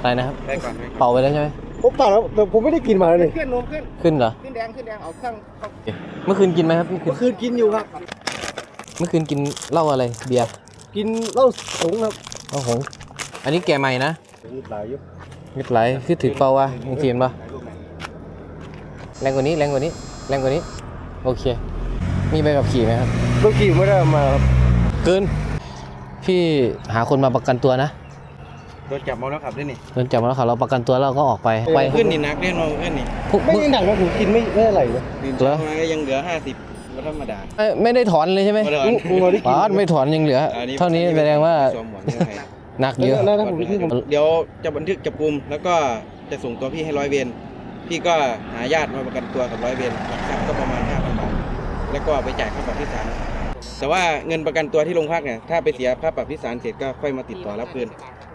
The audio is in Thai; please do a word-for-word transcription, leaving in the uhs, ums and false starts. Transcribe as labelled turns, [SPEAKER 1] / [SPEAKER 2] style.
[SPEAKER 1] อะไรนะครับ
[SPEAKER 2] ได้ก่อน
[SPEAKER 1] เป่าไปแล้วใช่ไหม
[SPEAKER 3] ผมเปล่าแล้วแต่ผมไม่ได้กินมาเลย
[SPEAKER 2] ขึ้นลมขึ้น
[SPEAKER 1] ขึ้นเหรอ
[SPEAKER 2] ขึ้นแดงขึ้นแดงเอาเครื่อง
[SPEAKER 1] เมื่อคืนกินไหมครับเมื่อคื
[SPEAKER 3] เมื่
[SPEAKER 1] น
[SPEAKER 3] อคืนกินอยู่ครับ
[SPEAKER 1] เมื่อคืนกินเหล้าอะไรเบียร์
[SPEAKER 3] กินเหล้าสงครับ
[SPEAKER 1] เหล้าหงส์อันนี้แกใหม่นะ
[SPEAKER 3] มีหลายยุ
[SPEAKER 1] มิดไหลคือถือเป่าวะมึงเทียนปะแรงกว่านี้แรงกว่านี้แรงกว่านี้โอเค มีใบขับขี่ไหมครับ
[SPEAKER 3] เมื่อกี้ไม่ได้เอามาครับ
[SPEAKER 1] เกินพี่หาคนมาประกันตัวนะ
[SPEAKER 2] โดนจับมาแล้วขับด้วยนี่
[SPEAKER 1] โดนจับมาแล้วค่ะเราประกันตัวแล้วเราก็ออกไปไป
[SPEAKER 2] ขึ้นนี่นักเล่นลงขึ้นนี่
[SPEAKER 1] พวก
[SPEAKER 3] ไม่ได้หนักนะผมกินไม่ไม่อะไรเลย
[SPEAKER 1] เหรอ
[SPEAKER 2] มาก็ยังเหลือห้าสิบก็ธรรมดา
[SPEAKER 1] ไม่ไม่ได้ถอนเลยใช่ไหม
[SPEAKER 2] ไม่ได้ถอน
[SPEAKER 3] ผมได้กิ
[SPEAKER 1] อ๋อน ไม่ถอนยังเหลือ เท่านี้แสดงว่า
[SPEAKER 2] สวมหมวกนิรภัย
[SPEAKER 1] หนักเยอะ
[SPEAKER 3] แล้วถ้าผมไปที่ผม
[SPEAKER 2] เดี๋ยวจะบันทึกจับกุมแล้วก็จะส่งตัวพี่ให้ร้อยเวรพี่ก็หาญาติมาประกันตัวกับร้อยเวรหลักทรัพย์ก็ประมาณห้าพันบาทแล้วก็ไปจ่ายค่าปรับที่ศาลแต่ว่าเงินประกันตัวที่โรงพักเนี่ยถ้าไปเสียค่าปรับที่ศาลเสร็จก็ค่อยมาติดต่อรับคืน